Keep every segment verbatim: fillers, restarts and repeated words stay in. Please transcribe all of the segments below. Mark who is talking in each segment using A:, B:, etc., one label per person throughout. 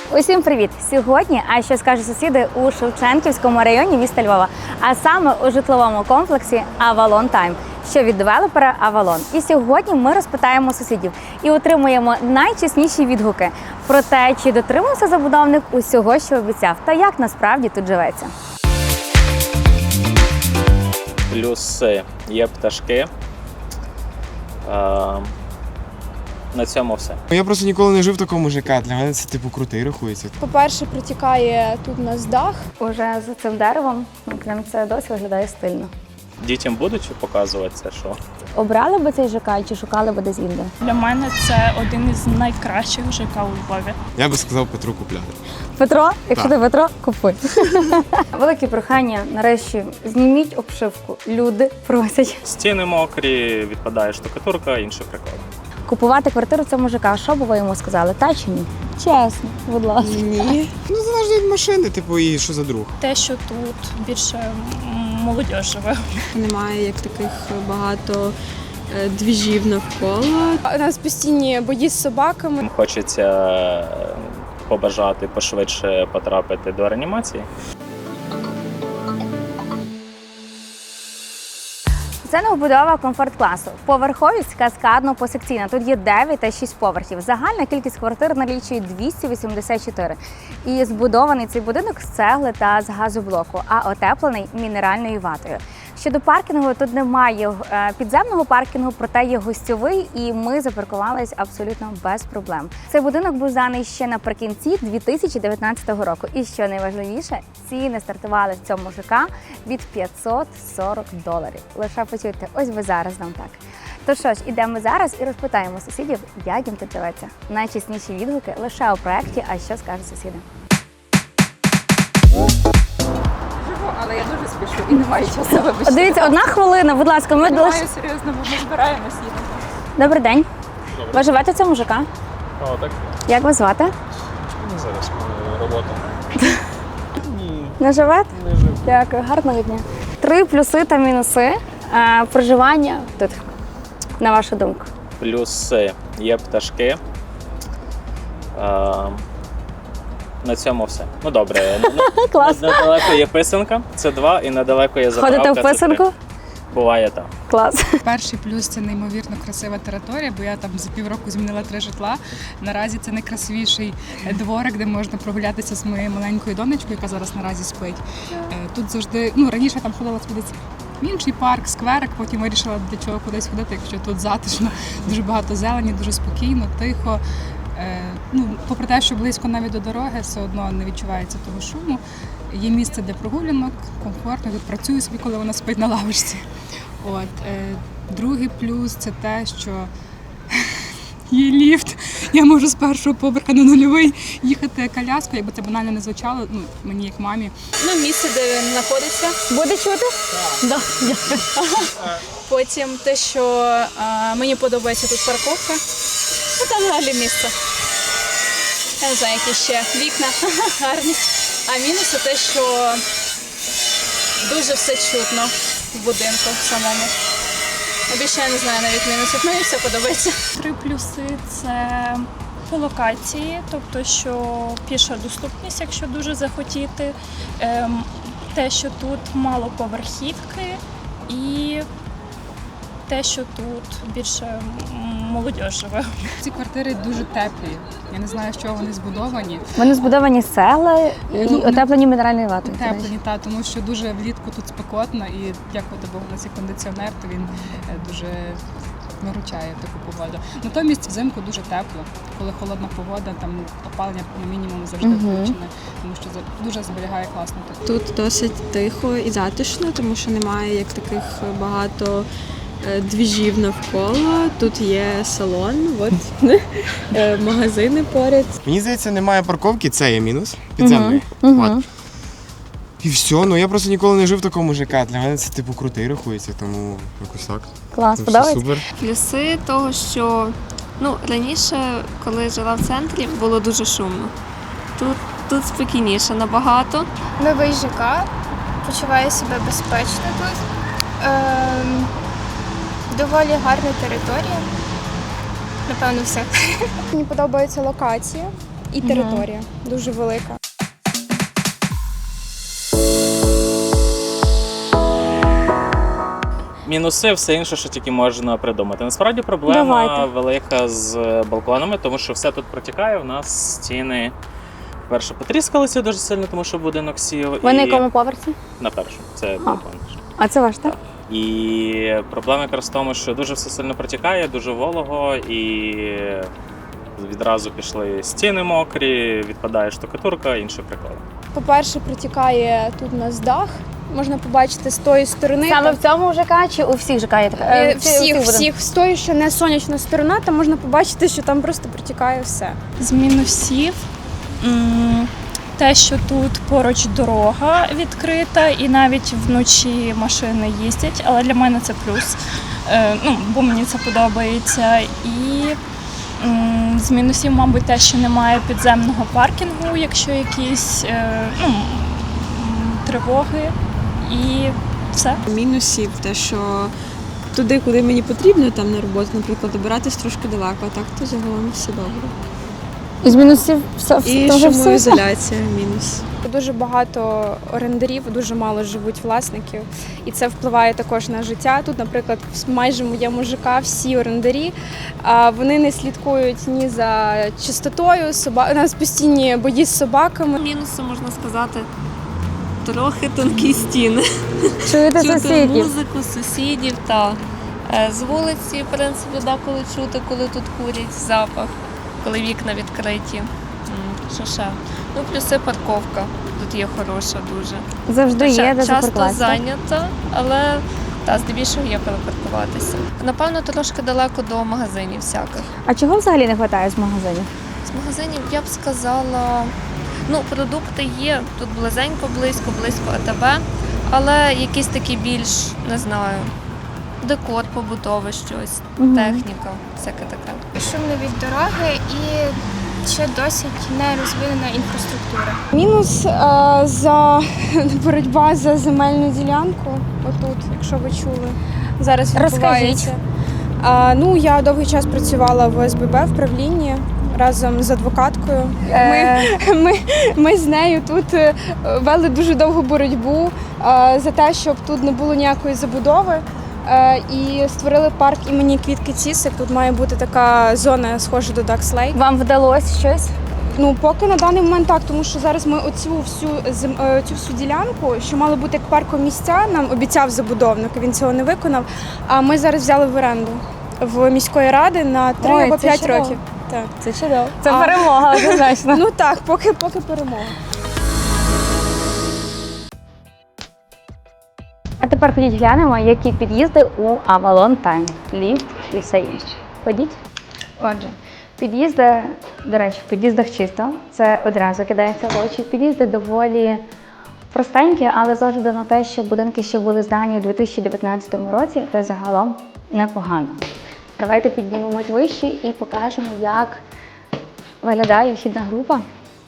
A: Усім привіт! Сьогодні, а що скажуть сусіди, у Шевченківському районі міста Львова, а саме у житловому комплексі Avalon Time, що від девелопера Avalon. І сьогодні ми розпитаємо сусідів і отримуємо найчесніші відгуки про те, чи дотримався забудовник усього, що обіцяв, та як насправді тут живеться.
B: Плюси є пташки. А, на цьому все.
C: Я просто ніколи не жив в такому ЖК, для мене це типу крутий рахується.
D: По-перше, протікає тут у нас дах.
A: Уже за цим деревом, ну, прям це досі виглядає стильно.
B: Дітям будуть показувати це, що?
A: Обрали би цей ЖК чи шукали би десь інде?
E: Для мене це один із найкращих ЖК у Львові.
C: Я би сказав Петру купляти.
A: Петро, якщо
C: Так.
A: ти Петро, купуй. Велике прохання, нарешті, зніміть обшивку. Люди просять.
B: Стіни мокрі, відпадає штукатурка, інші приколи.
A: Купувати квартиру в цьому ЖК, що б ви йому сказали, та чи ні? Чесно, будь ласка.
C: Ні. Ну, залежно від машини, типу, і що за друг.
E: Те, що тут більше м, молодь живе.
F: Немає як таких багато е, двіжів навколо.
D: У нас постійні бої з собаками.
B: Хочеться побажати пошвидше потрапити до реанімації.
A: Це новобудова комфорт-класу. Поверховість каскадно-посекційна. Тут є дев'ять та шість поверхів. Загальна кількість квартир налічує двісті вісімдесят чотири. І збудований цей будинок з цегли та з газоблоку, а отеплений мінеральною ватою. Щодо паркінгу, тут немає підземного паркінгу, проте є гостьовий, і ми запаркувалися абсолютно без проблем. Цей будинок був зданий ще наприкінці дві тисячі дев'ятнадцятого року. І що найважливіше, ціни стартували в цьому ЖК від п'ятсот сорок доларів. Лише почуйте, ось ви зараз нам так. То що ж, ідемо зараз і розпитаємо сусідів, як їм тут живеться. Найчесніші відгуки лише у проєкті «А що скажуть сусіди».
G: Але я дуже спішу і не маю часу, вибачте.
A: Дивіться, одна хвилина, будь ласка, ми
G: Не
A: лише...
G: маю серйозно, бо ми збираємось їхати.
A: Добрий день. Ви живете в цьому ЖК?
H: О, так?
A: Як вас звати?
H: Ну, зараз е, робота.
A: Не живете?
H: Не жив.
A: Дякую, гарного дня. Три плюси та мінуси е, проживання тут, на вашу думку.
B: Плюси є пташки. А, на цьому все. Ну добре.
A: Клас.
B: Недалеко є писанка, це два, і недалеко є заправка.
A: Ходите в
B: це три.
A: писанку?
B: Буває так.
A: Клас.
I: Перший плюс – це неймовірно красива територія, бо я там за півроку змінила три житла. Наразі це найкрасивіший дворик, де можна прогулятися з моєю маленькою донечкою, яка зараз наразі спить. Тут завжди, ну раніше я там ходила сходитися в інший парк, скверик, потім вирішила, для чого кудись ходити, якщо тут затишно, дуже багато зелені, дуже спокійно, тихо. Ну, попри те, що близько навіть до дороги, все одно не відчувається того шуму. Є місце для прогулянок, комфортно, тут працюю собі, коли вона спить на лавочці. От. Е, другий плюс – це те, що є ліфт. Я можу з першого поверха на нульовий їхати коляскою, якби це банально не звучало, ну, мені як мамі.
E: Ну, місце, де він знаходиться.
A: Буде чути?
E: Да, дякую. Потім те, що а, мені подобається тут парковка. Ну, там взагалі місце. Я не знаю, які ще вікна гарні. А мінус те, що дуже все чутно в будинку самому. Більше я не знаю навіть мінусів, мені все подобається. Три плюси – це по локації, тобто що піша доступність, якщо дуже захотіти. Ем, те, що тут мало поверхівки і те, що тут більше молодь живе.
I: Ці квартири дуже теплі. Я не знаю, з чого вони збудовані.
A: Вони збудовані з цегли і
I: Ну,
A: отеплені мінеральною ватою. до речі.
I: Теплені, та, тому що дуже влітку тут спекотно і дякувати Богу на цей кондиціонер, то він е, дуже виручає таку погоду. Натомість взимку дуже тепло. Коли холодна погода, там опалення на мінімум завжди
A: Мгм.
I: включене, тому що за- дуже зберігає класно тут.
F: Тут досить тихо і затишно, тому що немає як таких багато е, двіжів навколо. Тут є салон, от, е, магазини поряд.
C: Мені здається, немає парковки, це є мінус. Підземний.
A: Мгм.
C: От. І все, ну я просто ніколи не жив в такому ЖК, для мене це типу крутий рахується, тому якось так.
A: Клас,
C: Ну, все
A: подобається?
C: супер.
J: Плюси того, що ну, раніше, коли жила в центрі, було дуже шумно. Тут, тут спокійніше набагато.
D: Новий ЖК, почуваю себе безпечно тут. Ем, доволі гарна територія. Напевно, все. Мені подобається локація. і територія дуже велика.
B: Мінуси, все інше, що тільки можна придумати. Насправді проблема
A: Давайте.
B: велика з балконами, тому що все тут протікає. У нас стіни, перше, потріскалися дуже сильно, тому що будинок сів.
A: Ви на
B: і...
A: якому поверсі?
B: На першому. Це балкон.
A: А це ваш, так?
B: І проблема якраз в тому, що дуже все сильно протікає, дуже волого, і відразу пішли стіни мокрі, відпадає штукатурка, інші приколи.
D: По-перше, протікає тут у нас дах. Можна побачити з тої сторони.
A: Саме
D: там-
A: в цьому ЖК чи у всіх ЖК є така?
D: Е,
A: Е, чи у
D: Всіх,
A: будинках?
D: всіх. З тої, що не сонячна сторона, там можна побачити, що там просто протікає все.
E: З мінусів м, те, що тут поруч дорога відкрита, і навіть вночі машини їздять, але для мене це плюс, е, ну, бо мені це подобається. І м, з мінусів, мабуть, те, що немає підземного паркінгу, якщо якісь е, ну, м, тривоги, і все.
F: Мінусів те, що туди, куди мені потрібно, там на роботу, наприклад, добиратись трошки далеко, а так то загалом все добре.
A: Із мінусів все, все,
F: І
A: дуже все.
F: шумоізоляція мінус.
D: Дуже багато орендарів, дуже мало живуть власників, і це впливає також на життя. Тут, наприклад, в майже моєму ЖК всі орендарі, а вони не слідкують ні за чистотою, соба... у нас постійні бої з собаками.
J: Мінуси, можна сказати, трохи тонкі стіни.
A: Чуєте
J: Чути
A: сусідів?
J: музику, сусідів та е, з вулиці, в принципі, деколи чути, коли тут курять, запах, коли вікна відкриті. М, Що ще? Ну, плюси парковка. Тут є хороша дуже.
A: Завжди є,
J: Ча-
A: де
J: Часто
A: запаркуватися.
J: зайнята, але та, здебільшого є коли паркуватися. Напевно, трошки далеко до магазинів всяких.
A: А чого взагалі не вистачає з магазинів?
J: З магазинів я б сказала, ну, продукти є, тут близенько, близько, близько АТБ, але якісь такі більш, не знаю, декор побутовий щось,
A: Мгм.
J: техніка, всяке таке.
D: Шумно від дороги і ще досить не розвинена інфраструктура. Мінус е, за боротьба за земельну ділянку. Отут, якщо ви чули, зараз відбувається. А, ну, я довгий час працювала в О С Б Б в правлінні разом з адвокаткою. Ми,
A: Е,
D: ми, ми з нею тут е, вели дуже довгу боротьбу е, за те, щоб тут не було ніякої забудови. Е, І створили парк імені Квітки Цісик. Тут має бути така зона, схожа до Ducks Lake.
A: Вам вдалося щось?
D: Ну, поки на даний момент так, тому що зараз ми оцю всю зем- е, цю всю ділянку, що мало бути як паркомісця, нам обіцяв забудовник, він цього не виконав. А ми зараз взяли в оренду в міської ради на три
A: Ой,
D: або
A: це
D: п'ять
A: чудово.
D: років. Так.
A: Це чудово. Це
D: А.
A: перемога, однозначно.
D: Ну так, поки поки перемога.
A: А тепер ходіть глянемо, які під'їзди у Avalon Time. Ліфт і все інше. Ходіть. Отже, під'їзди, до речі, в під'їздах чисто. Це одразу кидається в очі. Під'їзди доволі простенькі, але з огляду на те, що будинки ще були здані у дві тисячі дев'ятнадцятому році, це загалом непогано. Давайте піднімемось вище і покажемо, як виглядає вхідна група.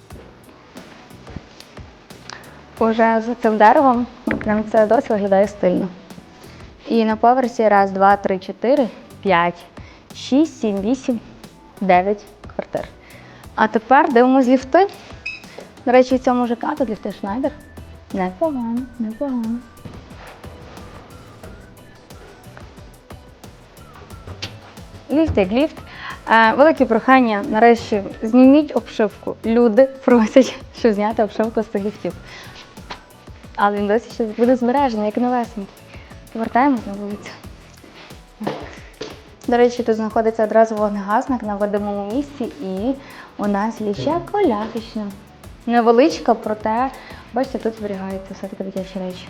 A: Уже за цим деревом, прям це досі виглядає стильно. І на поверсі раз, два, три, чотири, п'ять, шість, сім, вісім, дев'ять квартир. А тепер дивимось ліфти. До речі, в цьому ЖК тут ліфти Шнайдер. Непогано, непогано. Ліфт як ліфт. Е, Велике прохання, нарешті, зніміть обшивку. Люди просять, щоб зняти обшивку з цих ліфтів. Але він досі ще буде збережений, як новесенький. Повертаємось на вулицю. До речі, тут знаходиться одразу вогнегасник на видимому місці, і у нас є ще колясочна. Невеличка, проте, бачите, тут зберігаються все-таки дитячі речі.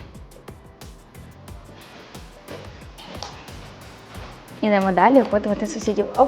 A: Ідемо далі опитувати сусідів. Оп.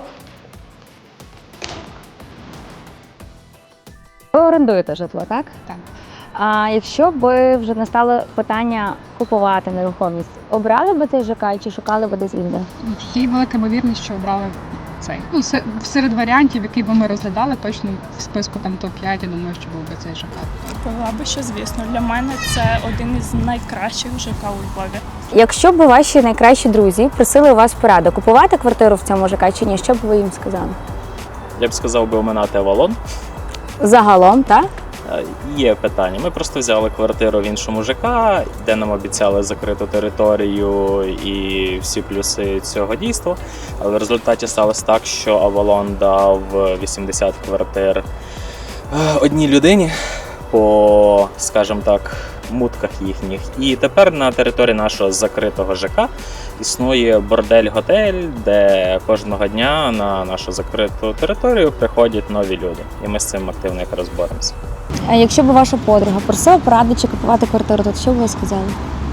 A: Ви орендуєте житло, так?
I: Так.
A: А якщо б вже настало питання купувати нерухомість, обрали б цей ЖК чи шукали б десь інде?
I: Є велика ймовірність, що обрали цей. Ну, се- серед варіантів, які би ми розглядали, точно в списку там топ п'ять, я думаю, що був би цей ЖК.
E: Була би що, звісно. Для мене це один із найкращих ЖК у Львові.
A: Якщо б ваші найкращі друзі просили у вас пораду, купувати квартиру в цьому ЖК чи ні, що б ви їм сказали?
B: Я б сказав би оминати Авалон.
A: Загалом, так?
B: Е, Є питання. Ми просто взяли квартиру в іншому ЖК, де нам обіцяли закриту територію і всі плюси цього дійства. Але в результаті сталося так, що Авалон дав вісімдесят квартир е, одній людині по, скажімо так, мутках їхніх. І тепер на території нашого закритого ЖК існує бордель-готель, де кожного дня на нашу закриту територію приходять нові люди. І ми з цим активно якраз боремося.
A: А якщо б ваша подруга просила поради чи купувати квартиру, то що б ви сказали?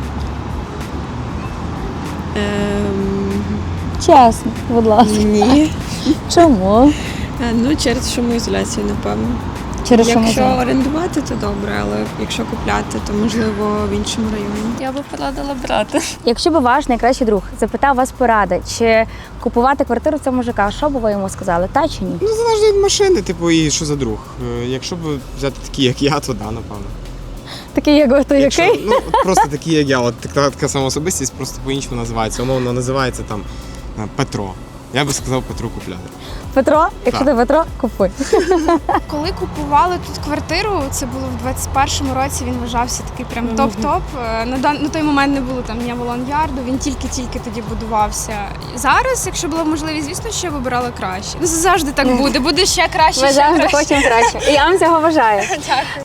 F: Ем,
A: Чесно, будь ласка.
F: ні.
A: Чому?
F: Е, Ну, через шумоізоляцію, напевно.
A: Через що
F: Якщо
A: можна?
F: орендувати, то добре, але якщо купляти, то можливо в іншому районі.
J: Я би порадила брати.
A: Якщо б ваш найкращий друг запитав вас поради, чи купувати квартиру в цьому ЖК, що б ви йому сказали, та чи ні?
C: Ну, залежить від машини, типу, і що за друг. Е, Якщо б взяти такі, як я, то да, напевно.
A: Такий, як ви, то
C: Якщо,
A: який?
C: ну, от просто такі, як я, от така, така сама особистість, просто по-іншому називається. Умовно називається там е, Петро. Я би сказав Петру купляти.
A: Петро, якщо
C: Так.
A: ти Петро, купуй.
D: Коли купували тут квартиру, це було в двадцять першому році, він вважався такий прям топ-топ. Е, На, дан... на той момент не було там ні Авалон Ярду, він тільки-тільки тоді будувався. Зараз, якщо була б можливість, звісно, що я вибирала краще. Ну, завжди так буде, буде ще краще,
A: Ми
D: ще
A: завжди
D: краще.
A: хочемо краще. І я вам цього бажаю.
D: Дякую.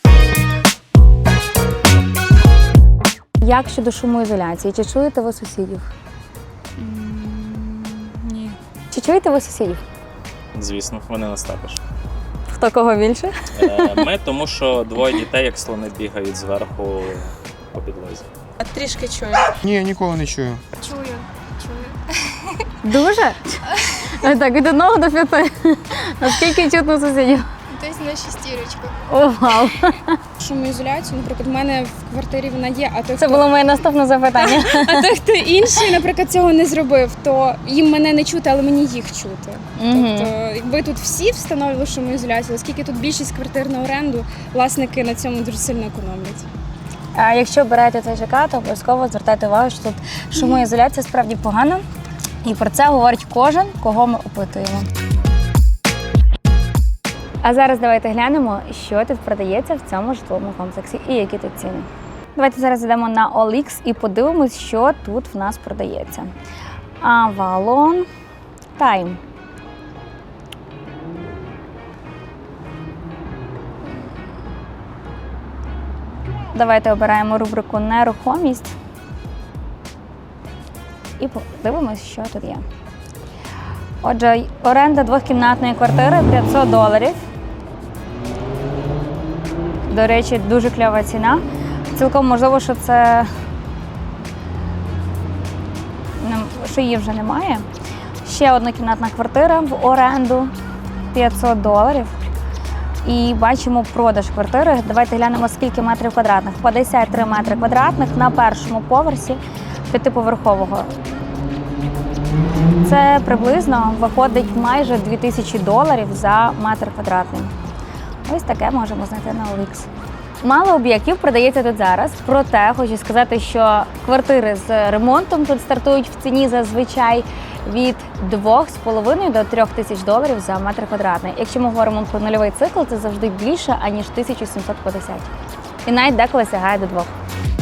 A: Як щодо шумоізоляції? Чи чуєте ви сусідів?
E: Ні.
A: Чи чуєте ви сусідів?
B: Звісно, вони нас також.
A: Хто кого більше?
B: Е, Ми, тому що двоє дітей, як слони, бігають зверху по підлозі.
F: Трішки чую.
C: Ні, ніколи не чую.
D: Чую, чую.
A: Дуже? Ось так, від одного до п'яти. Наскільки чутно сусідів?
D: Десь на шестірочку.
A: О, вау.
D: Шумоізоляцію, наприклад, в мене в квартирі вона є, а той,
A: Це
D: хто...
A: було моє наступне запитання.
D: А той, хто інший, наприклад, цього не зробив, то їм мене не чути, але мені їх чути.
A: Мгм.
D: Тобто, якби тут всі встановили шумоізоляцію, оскільки тут більшість квартир на оренду, власники на цьому дуже сильно економлять.
A: А якщо берете цей ЖК, то обов'язково звертайте увагу, що тут шумоізоляція справді погана. І про це говорить кожен, кого ми опитуємо. А зараз давайте глянемо, що тут продається в цьому житловому комплексі і які тут ціни. Давайте зараз йдемо на о ел ікс і подивимось, що тут в нас продається. Avalon Time. Давайте обираємо рубрику нерухомість і подивимось, що тут є. Отже, оренда двохкімнатної квартири п'ятсот доларів. До речі, дуже кльова ціна. Цілком можливо, що це не- що її вже немає. Ще однокімнатна квартира в оренду п'ятсот доларів. І бачимо продаж квартири. Давайте глянемо, скільки метрів квадратних. п'ятдесят три метри квадратних на першому поверсі п'ятиповерхового. Це приблизно виходить майже дві тисячі доларів за метр квадратний. Ось таке можемо знайти на о ел ікс. Мало об'єктів продається тут зараз, проте хочу сказати, що квартири з ремонтом тут стартують в ціні зазвичай від двох з половиною до трьох тисяч доларів за метр квадратний. Якщо ми говоримо про нульовий цикл, це завжди більше, аніж тисяча сімсот п'ятдесят. І навіть деколи сягає до двох.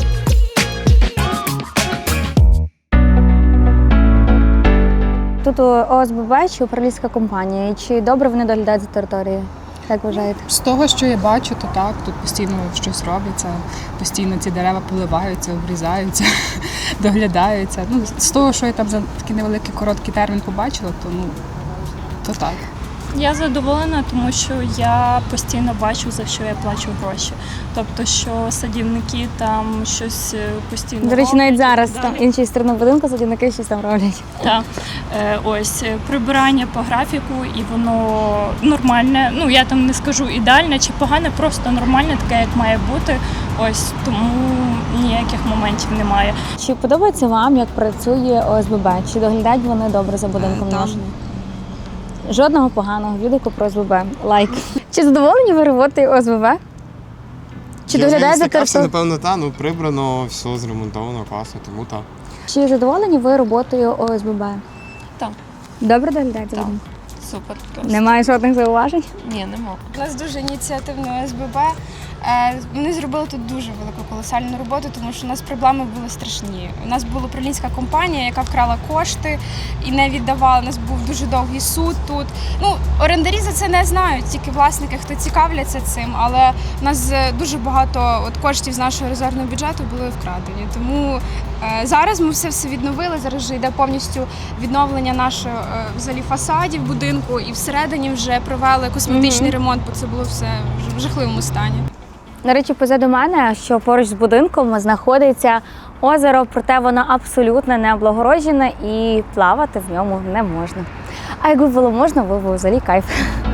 A: Тут о ес бе бе чи управлінська компанія, і чи добре вони доглядають за територією? Як вважаєте?
I: З того, що я бачу, то так, тут постійно щось робиться, постійно ці дерева поливаються, обрізаються, доглядаються. Ну, з того, що я там за такий невеликий короткий термін побачила, то ну то так.
E: Я задоволена, тому що я постійно бачу, за що я плачу гроші. Тобто, що садівники там щось е, постійно
A: До речі, навіть
E: роблять і
A: зараз
E: так
A: там
E: далі.
A: іншій сторони будинку садівники щось там роблять.
E: Так. Е, ось е, прибирання по графіку, і воно нормальне. Ну я там не скажу ідеальне чи погане, просто нормальне, таке, як має бути. Ось тому ніяких моментів немає.
A: Чи подобається вам, як працює о ес бе бе? Чи доглядають вони добре за будинком
F: Е, так.
A: нашим? Жодного поганого відгуку про о ес бе бе. Лайк. Чи задоволені ви роботою о ес бе бе? Чи
C: Я
A: доглядають
C: вже
A: за
C: не стикався,
A: територією?
C: напевно, та, ну прибрано, все зремонтовано, класно, тому так.
A: Чи задоволені ви роботою о ес бе бе?
E: Так.
A: Добре доглядають за
E: Так.
A: будинком?
J: супер просто.
A: Немає жодних зауважень?
J: Ні, нема.
D: У нас дуже ініціативне С Б Б. Е, Вони зробили тут дуже велику колосальну роботу, тому що у нас проблеми були страшні. У нас була управлінська компанія, яка вкрала кошти і не віддавала. У нас був дуже довгий суд тут. Ну, орендарі за це не знають, тільки власники, хто цікавляться цим. Але у нас е, дуже багато от коштів з нашого резервного бюджету були вкрадені. Тому е, зараз ми все все відновили. Зараз вже йде повністю відновлення нашого е, взагалі фасадів будинку, і всередині вже провели косметичний
A: Мгм.
D: ремонт, бо це було все в жахливому стані.
A: До речі, позаду мене, що поруч з будинком знаходиться озеро, проте воно абсолютно не облагороджене і плавати в ньому не можна. А якби було можна, ви б взагалі кайф.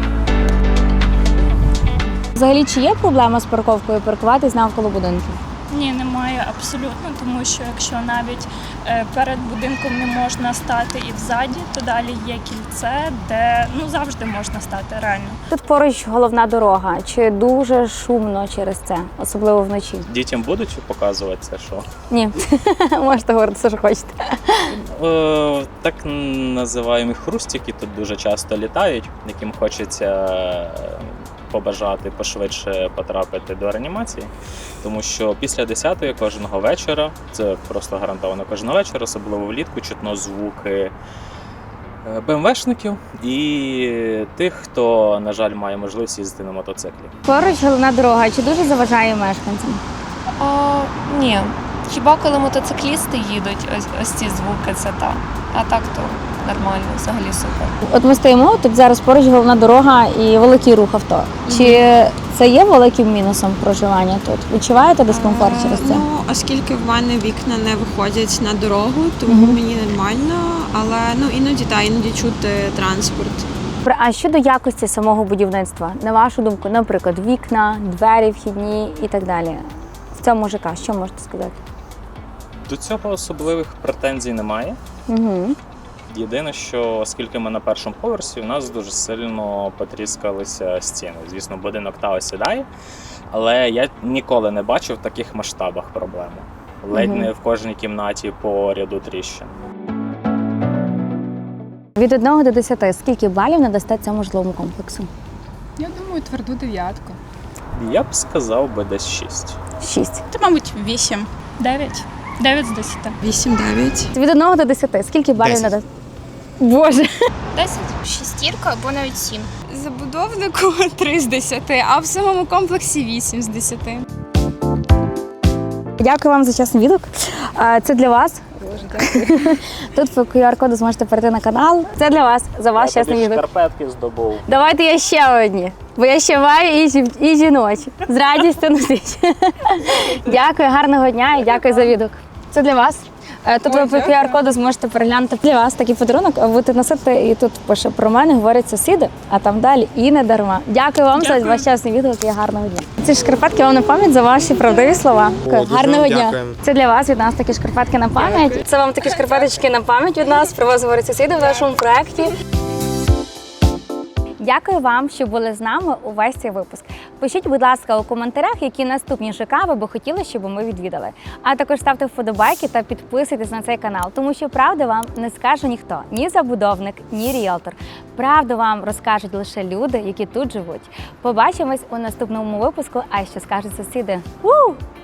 A: Взагалі, чи є проблема з парковкою паркуватись навколо будинків?
E: Ні, немає абсолютно, тому що якщо навіть е, перед будинком не можна стати і взаді, то далі є кільце, де ну завжди можна стати реально.
A: Тут поруч головна дорога. Чи дуже шумно через це, особливо вночі?
B: Дітям будуть показувати це, що?
A: Ні, можете говорити все, що хочете.
B: Е, так називаємо хрустики тут дуже часто літають, яким хочеться е, побажати пошвидше потрапити до реанімації, тому що після десятої кожного вечора, це просто гарантовано кожного вечора, особливо влітку, чутно звуки е, БМВшників і тих, хто, на жаль, має можливість їздити на мотоциклі.
A: Поруч головна дорога. Чи дуже заважає мешканцям?
J: А, ні. Хіба коли мотоциклісти їдуть, ось, ось ці звуки, це так. А так то нормально, взагалі супер.
A: От ми стоїмо, тут зараз поруч головна дорога і великий рух авто. Чи це є великим мінусом проживання тут? Відчуваєте дискомфорт
F: Е,
A: через це?
F: Ну, оскільки в мене вікна не виходять на дорогу, тому
A: Мгм.
F: мені нормально, але ну іноді та іноді чути транспорт.
A: Добре, а щодо якості самого будівництва, на вашу думку, наприклад, вікна, двері вхідні і так далі. В цьому ЖК, що можете сказати?
B: До цього особливих претензій немає.
A: Угу.
B: Єдине, що оскільки ми на першому поверсі, у нас дуже сильно потріскалися стіни. Звісно, будинок та осідає, але я ніколи не бачив в таких масштабах проблему. Ледь
A: Мгм.
B: не в кожній кімнаті по ряду тріщин.
A: Від одного до десяти, скільки балів надасте цьому житловому комплексу?
I: Я думаю, тверду дев'ятку.
B: Я б сказав би десь шість.
A: Шість.
I: Та, мабуть, вісім.
E: Дев'ять. Дев'ять з десяти.
F: вісім-дев'ять.
A: Від одного до десяти, скільки балів
C: Десять.
A: надасте? Боже.
D: десять. Шістірка або навіть сім. Забудовнику три з десяти, а в самому комплексі вісім з десяти.
A: Дякую вам за чесний відгук. А, Це для вас. Тут по ку ар коду зможете перейти на канал. Це для вас, за ваш
B: Я
A: чесний
B: тобі
A: відгук.
B: шкарпетки здобув.
A: Давайте я ще одні, бо я ще маю і, жі- і жіночі. З радістю носить. Дякую, гарного дня і дякую за відгук. Це для вас. Е, Тут ви по ку ар коду зможете переглянути для вас такий подарунок, а будете носити, і тут пише про мене, говорять сусіди, а там далі і не дарма. Дякую вам за ваш чесний відгук і гарного дня. Ці шкарпетки вам на пам'ять за ваші правдиві слова.
C: О, дуже
A: Гарного
C: вам
A: дня.
C: дякуємо.
A: Це для вас від нас такі шкарпетки на пам'ять. Це вам такі шкарпеточки на пам'ять від нас. Про вас говорять сусіди в нашому проєкті. Дякую вам, що були з нами увесь цей випуск. Пишіть, будь ласка, у коментарях, які наступні ЖК ви би хотіли, щоб ми відвідали. А також ставте вподобайки та підписуйтесь на цей канал, тому що правду вам не скаже ніхто, ні забудовник, ні ріелтор. Правду вам розкажуть лише люди, які тут живуть. Побачимось у наступному випуску. А що скажуть сусіди? У!